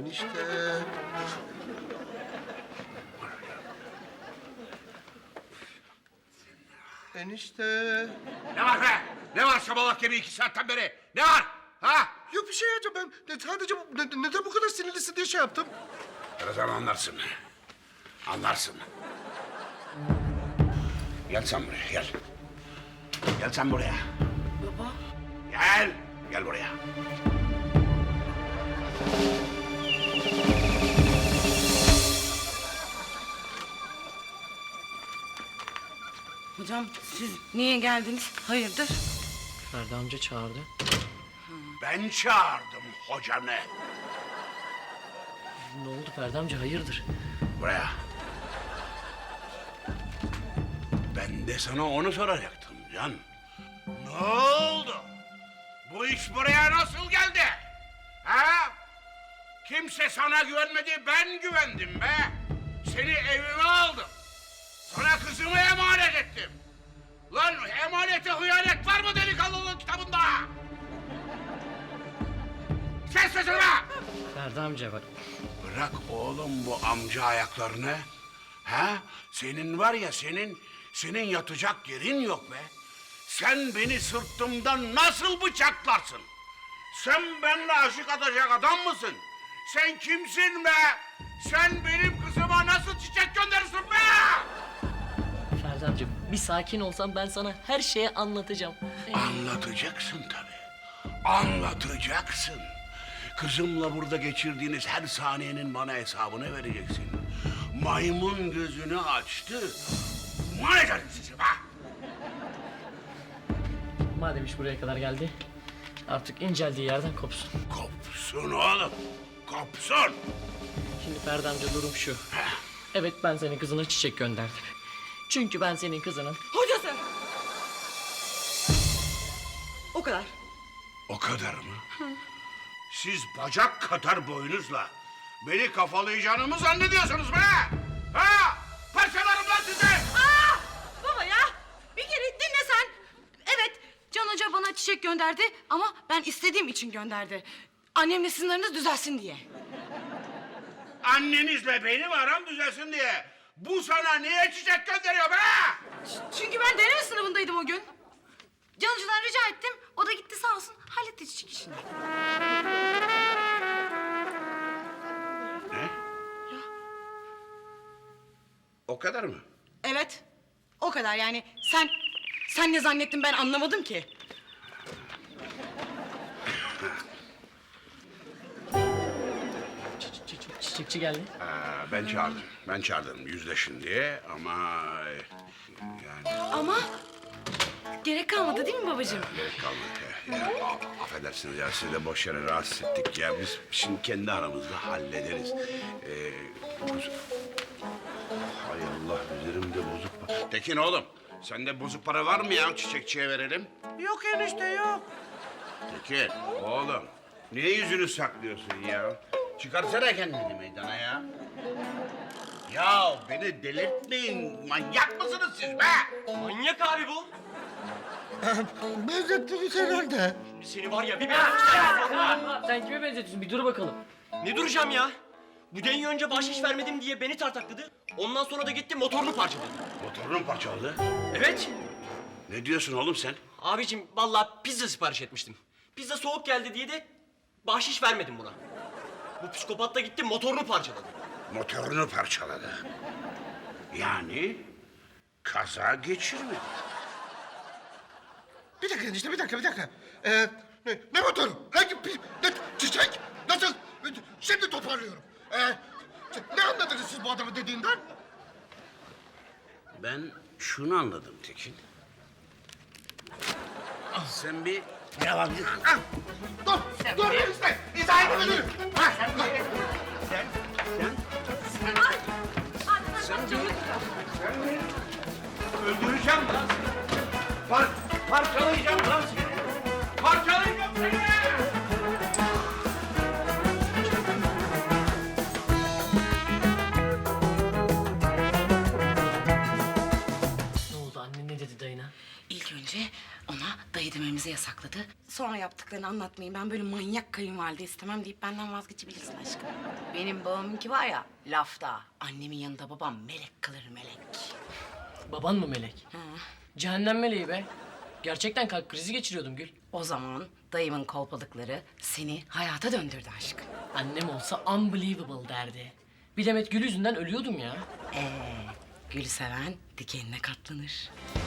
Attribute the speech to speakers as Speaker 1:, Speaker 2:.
Speaker 1: Enişte. Enişte.
Speaker 2: Ne var be? Ne var şabalak gibi 2 saatten beri? Ne var? Ha?
Speaker 1: Yok bir şey hocam, ben sadece neden bu kadar sinirlisin diye şey yaptım.
Speaker 2: Birazdan anlarsın. Anlarsın. Gel sen buraya, gel. Gel sen buraya.
Speaker 3: Baba.
Speaker 2: Gel. Gel buraya.
Speaker 3: Hocam siz niye geldiniz? Hayırdır?
Speaker 4: Ferdi amca çağırdı.
Speaker 2: Ben çağırdım hocanı.
Speaker 4: Ne oldu Ferdi amca, hayırdır?
Speaker 2: Buraya. Ben de sana onu soracaktım Can. Ne oldu? Bu iş buraya nasıl geldi? Ha? Kimse sana güvenmedi, ben güvendim be. Seni evime aldım. Sana kızımı emanet ettim. Lan emanete hıyanet var mı delikanlılığın kitabında? Kes sesini be!
Speaker 4: Ferdi amca bak.
Speaker 2: Bırak oğlum bu amca ayaklarını. Ha? Senin var ya senin yatacak yerin yok be. Sen beni sırtımdan nasıl bıçaklarsın? Sen benimle aşık atacak adam mısın? Sen kimsin be? Sen benim kızıma nasıl çiçek gönderirsin be?
Speaker 4: Ferdi amca bir sakin olsan ben sana her şeyi anlatacağım.
Speaker 2: Anlatacaksın tabii. Anlatacaksın. Kızımla burada geçirdiğiniz her saniyenin bana hesabını vereceksin. Maymun gözünü açtı. Man ederim sizi be!
Speaker 4: Madem iş buraya kadar geldi, artık inceldiği yerden kopsun.
Speaker 2: Kopsun oğlum. Kopsun.
Speaker 4: Şimdi Ferdi amca durum şu. Evet, ben senin kızına çiçek gönderdim. Çünkü ben senin kızının...
Speaker 3: Hocası! O kadar.
Speaker 2: O kadar mı? Siz bacak kadar boyunuzla beni kafalayacağını mı zannediyorsunuz be? Ha? Parçalarım lan sizi!
Speaker 3: Aa! Baba ya! Bir kere dinle sen. Evet, Can Hoca bana çiçek gönderdi ama ben istediğim için gönderdi. Annemle sizin aranız düzelsin diye.
Speaker 2: Annenizle benim aram düzelsin diye. Bu sana niye çiçek gönderiyor be?
Speaker 3: Çünkü ben deneme sınavındaydım o gün. Can Hoca'dan rica ettim. O da gitti sağ olsun halletti çiçek işini.
Speaker 2: Ne? O kadar mı?
Speaker 3: Evet. O kadar yani. Sen ne zannettin ben anlamadım ki.
Speaker 4: Çiçekçi geldi.
Speaker 2: Ben çağırdım yüzleşin diye ama yani
Speaker 3: Ama gerek kalmadı değil mi babacığım?
Speaker 2: gerek kalmadı. Ya, affedersiniz ya sizi de boş yere rahatsız ettik ya. Biz şimdi kendi aramızda hallederiz. Hay Allah üzerimde bozuk para. Tekin oğlum sende bozuk para var mı ya çiçekçiye verelim?
Speaker 1: Yok enişte yok.
Speaker 2: Tekin oğlum niye yüzünü saklıyorsun ya? Çıkarsana kendini meydana ya. Ya beni delirtmeyin. Manyak mısınız siz be?
Speaker 5: Manyak abi bu.
Speaker 1: Benzettiniz herhalde.
Speaker 5: Seni var ya bir ben...
Speaker 4: Sen kime benzetiyorsun? Bir dur bakalım.
Speaker 5: Ne duracağım ya? Bu denyo önce bahşiş vermedim diye beni tartakladı. Ondan sonra da gitti motorunu parçaladı.
Speaker 2: Motorun parçaladı.
Speaker 5: Evet.
Speaker 2: Ne diyorsun oğlum sen?
Speaker 5: Abicim vallahi pizza sipariş etmiştim. Pizza soğuk geldi diye de bahşiş vermedim buna. Bu psikopat da gitti motorunu parçaladı.
Speaker 2: Motorunu parçaladı. Yani kaza geçirmedi.
Speaker 1: Bir dakika enişte, bir dakika. Ne motoru? Ne çiçek? Nasıl? Şimdi toparlıyorum. Ne anladınız siz bu adamın dediğinden?
Speaker 2: Ben şunu anladım Tekin. Sen bir yalancısın.
Speaker 1: Dur enişte. İzah edebilirim.
Speaker 2: Öldüreceğim lan seni. Parçalayacağım lan seni. Parçalayacağım seni.
Speaker 4: Ne oldu, annen ne dedi dayına?
Speaker 3: İlk önce ona dayı dememizi yasakladı. açıkladı. Sonra yaptıklarını anlatmayın. Ben böyle manyak kayınvalide istemem deyip benden vazgeçebilirsin aşkım. Benim babamınki var ya lafta. Annemin yanında babam melek kalır melek.
Speaker 4: Baban mı melek?
Speaker 3: Ha.
Speaker 4: Cehennem meleği be. Gerçekten kalp krizi geçiriyordum Gül.
Speaker 3: O zaman dayımın kolpalıkları seni hayata döndürdü aşkım.
Speaker 4: Annem olsa unbelievable derdi. Bir demet gül yüzünden ölüyordum ya.
Speaker 3: Gül seven dikenine katlanır.